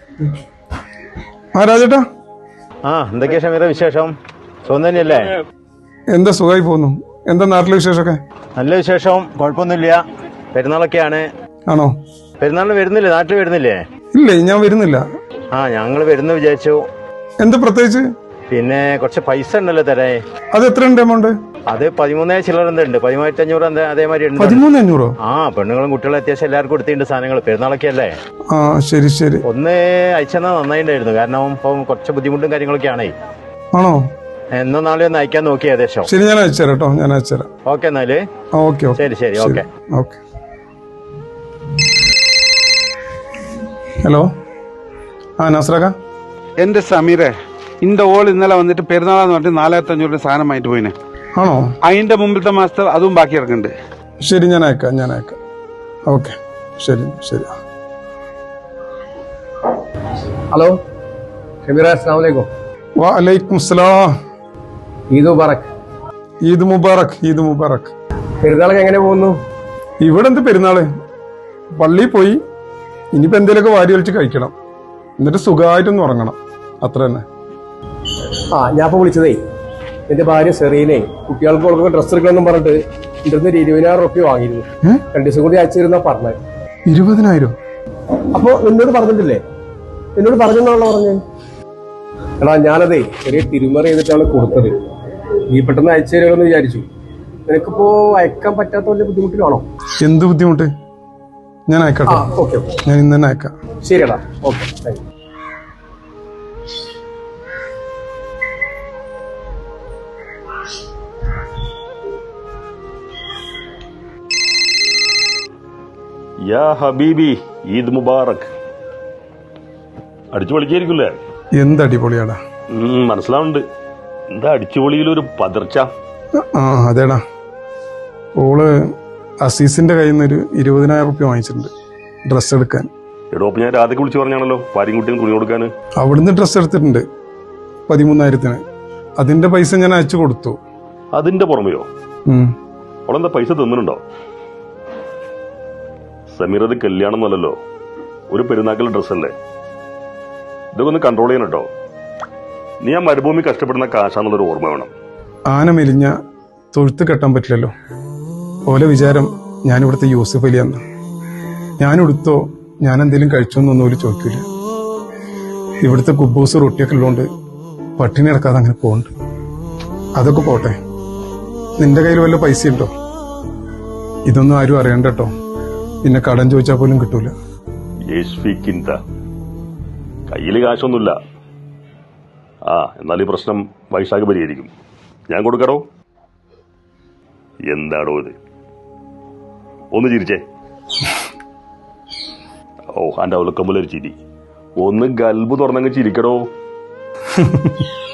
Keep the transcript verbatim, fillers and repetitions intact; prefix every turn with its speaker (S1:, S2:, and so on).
S1: ആ രാജേട്ടാ.
S2: ആ എന്തൊക്കെയാ ഷമീറ വിശേഷം? സുഖം തന്നെയല്ലേ?
S1: എന്താ സുഖമായി പോകുന്നു. എന്താ നാട്ടിലെ വിശേഷമൊക്കെ?
S2: നല്ല വിശേഷം, കുഴപ്പമൊന്നുമില്ല. പെരുന്നാളൊക്കെയാണ്.
S1: ആണോ?
S2: പെരുന്നാളിന് വരുന്നില്ലേ? നാട്ടിൽ വരുന്നില്ലേ?
S1: ഇല്ലേ, ഞാൻ വരുന്നില്ല.
S2: ആ ഞങ്ങൾ വരുന്ന വിചാരിച്ചു.
S1: എന്താ പ്രത്യേകിച്ച്?
S2: പിന്നെ കുറച്ച് പൈസ ഉണ്ടല്ലോ തരേ.
S1: അത് എത്ര ഉണ്ട് എമൗണ്ട്?
S2: അത് പതിമൂന്നേ ചില്ലറ ഉണ്ട്, പതിമൂവായിരത്തി അഞ്ഞൂറ് എന്താ അതേമാതിരി ഉണ്ട്.
S1: പതിമൂന്ന് അഞ്ഞൂറോ?
S2: ആ പെണ്ണുങ്ങളും കുട്ടികളും അത്യാവശ്യം എല്ലാവർക്കും കൊടുത്തിട്ടുണ്ട് സാധനങ്ങൾ. പെരുന്നാളൊക്കെ അല്ലേ?
S1: ആ ശരി ശരി.
S2: ഒന്ന് അയച്ചെന്നാ നന്നായിട്ടുണ്ടായിരുന്നു, കാരണം ഇപ്പം കുറച്ച് ബുദ്ധിമുട്ടും കാര്യങ്ങളൊക്കെ ആണേ.
S1: ആണോ?
S2: എന്നോ നാളെ ഒന്ന് അയക്കാൻ നോക്കി ഏകദേശം.
S1: ശരി, ഞാൻ അയച്ചുതരാം കേട്ടോ, ഞാൻ അയച്ചുതരാം.
S2: ഓക്കെ എന്നാല്.
S1: ഓക്കെ
S2: ശരി ശരി ഓക്കെ
S1: ഓക്കെ. ഹലോ, ആ നസ്രക.
S3: എന്റെ സമീറെ, ഇന്റെ ഓൾ ഇന്നലെ വന്നിട്ട് പെരുന്നാളെന്ന് പറഞ്ഞിട്ട് നാലായിരത്തി അഞ്ഞൂറിന്റെ സാധനമായിട്ട് പോയിനെ.
S1: ആണോ?
S3: അതിന്റെ മുമ്പിലത്തെ മാസത്തെ അതും ബാക്കി ഇറക്കുന്നുണ്ട്.
S1: ശരി, ഞാൻ അയക്കാം ഞാൻ അയക്കാം. ഓക്കെ, ശരി ശരി.
S4: ഹലോ ഷമീറ, അസ്സലാമു അലൈക്കും.
S1: വഅലൈക്കും സലാം.
S4: ഈദ് മുബാറക്.
S1: ഈദ് മുബാറക്. ഈദ് മുബാറക്.
S4: പെരുന്നാളൊക്കെ എങ്ങനെ പോകുന്നു?
S1: ഇവിടെ എന്ത് പെരുന്നാള്, പള്ളിയിൽ പോയി ഇനിയിപ്പോ എന്തേലൊക്കെ വാരി വലിച്ച് കഴിക്കണം, എന്നിട്ട് സുഖമായിട്ടൊന്ന് ഉറങ്ങണം, അത്ര തന്നെ.
S4: ആ ഞാൻ ഇപ്പൊ വിളിച്ചതേ, എന്റെ ഭാര്യ സെറീനെ കുട്ടികൾക്ക് കൊടുക്കുന്ന ഡ്രസ്സ് എടുക്കണമെന്നും പറഞ്ഞിട്ട് എന്റെ അടുത്ത് ഒരു ഇരുപതിനായിരം റുപ്യ വാങ്ങിയിരുന്നു. രണ്ടു ദിവസം കൂടി അയച്ചു തരുന്ന പറഞ്ഞത്.
S1: ഇരുപതിനായിരം?
S4: അപ്പൊ എന്നോട് പറഞ്ഞിട്ടില്ലേ? എന്നോട് പറഞ്ഞെന്നാണല്ലോ പറഞ്ഞത്. എടാ ഞാനതേ ചെറിയ തിരുമറി ചെയ്തിട്ടാണ് കൊടുത്തത്. നീ പെട്ടെന്ന് അയച്ചു തരുമെന്ന് വിചാരിച്ചു. നിനക്കിപ്പോ അയക്കാൻ പറ്റാത്ത വലിയ ബുദ്ധിമുട്ടിലാണോ?
S1: എന്ത് ബുദ്ധിമുട്ട്? ഞാൻ അയക്കട്ടെ.
S4: ഓക്കെ,
S1: ഞാൻ ഇന്ന് തന്നെ അയക്കാം.
S4: ശരിയടാ, ഓക്കെ, താങ്ക് യു.
S5: യാ ഹബീബി, ഈദ് മുബാറക്. അടിച്ചു പൊളിക്കായിരിക്കില്ലേ?
S1: എന്ത് അടിപൊളിയാടാ.
S5: മനസ്സിലാവുന്നുണ്ട്. എന്താ അടിച്ചുപൊളിയിലൊരു പതർച്ച?
S1: ആ അതേടാ, ഓള് അസീസിന്റെ കയ്യിൽ നിന്ന് ഒരു ഇരുപതിനായിരം റുപ്യ വാങ്ങിച്ചിട്ടുണ്ട് ഡ്രസ്സ് എടുക്കാൻ.
S5: എടോ, ഞാൻ രാധയ്ക്ക് വിളിച്ചു പറഞ്ഞാണല്ലോ ഭാര്യയും കുട്ടിയും തുണി കൊടുക്കാൻ.
S1: അവിടുന്ന് ഡ്രസ്സ് എടുത്തിട്ടുണ്ട് പതിമൂന്നായിരത്തിന്. അതിന്റെ പൈസ ഞാൻ അയച്ചു കൊടുത്തു.
S5: അതിന്റെ പുറമെയോ? അവളെന്താ പൈസ തന്നിട്ടുണ്ടോ? സമീർ, അത് കല്യാണമൊന്നുമല്ലല്ലോ, ഒരു പെരുന്നാക്കൽ ഡ്രസ്സല്ലേ. ഇതൊക്കെ ഒന്ന് കൺട്രോൾ ചെയ്യണം കേട്ടോ. നീ ആ മരുഭൂമി കഷ്ടപ്പെടുന്ന കാശാന്നുള്ളൊരു ഓർമ്മ വേണം.
S1: ആന മെലിഞ്ഞ തൊഴുത്ത് കെട്ടാൻ പറ്റില്ലല്ലോ. ഓലെ വിചാരം ഞാനിവിടുത്തെ യൂസഫ് അലിയാന്ന്. ഞാനെടുത്തോ ഞാൻ എന്തെങ്കിലും കഴിച്ചോന്നൊന്നും ഓല് ചോദിക്കില്ല. ഇവിടുത്തെ കുബൂസ് റൊട്ടിയൊക്കെ ഉള്ളതുകൊണ്ട് പട്ടിണി കിടക്കാതെ അങ്ങനെ പോകുന്നുണ്ട്. അതൊക്കെ പോട്ടെ, നിന്റെ കയ്യിൽ വല്ല പൈസ ഉണ്ടോ? ഇതൊന്നും ആരും അറിയണ്ട കേട്ടോ, പിന്നെ കടം ചോദിച്ചാൽ പോലും കിട്ടൂല.
S5: കയ്യില് കാശൊന്നുമില്ല. ആ എന്നാൽ ഈ പ്രശ്നം വൈശാഖ് പരിഹരിക്കും. ഞാൻ കൊടുക്കടോ. എന്താടോ ഇത്? ഒന്ന് ചിരിച്ചേ. ഓ, അന്റെ അവലക്കമ്പലൊരു ചിരി. ഒന്ന് ഗൽബ് തുറന്നങ്ങ് ചിരിക്കടോ.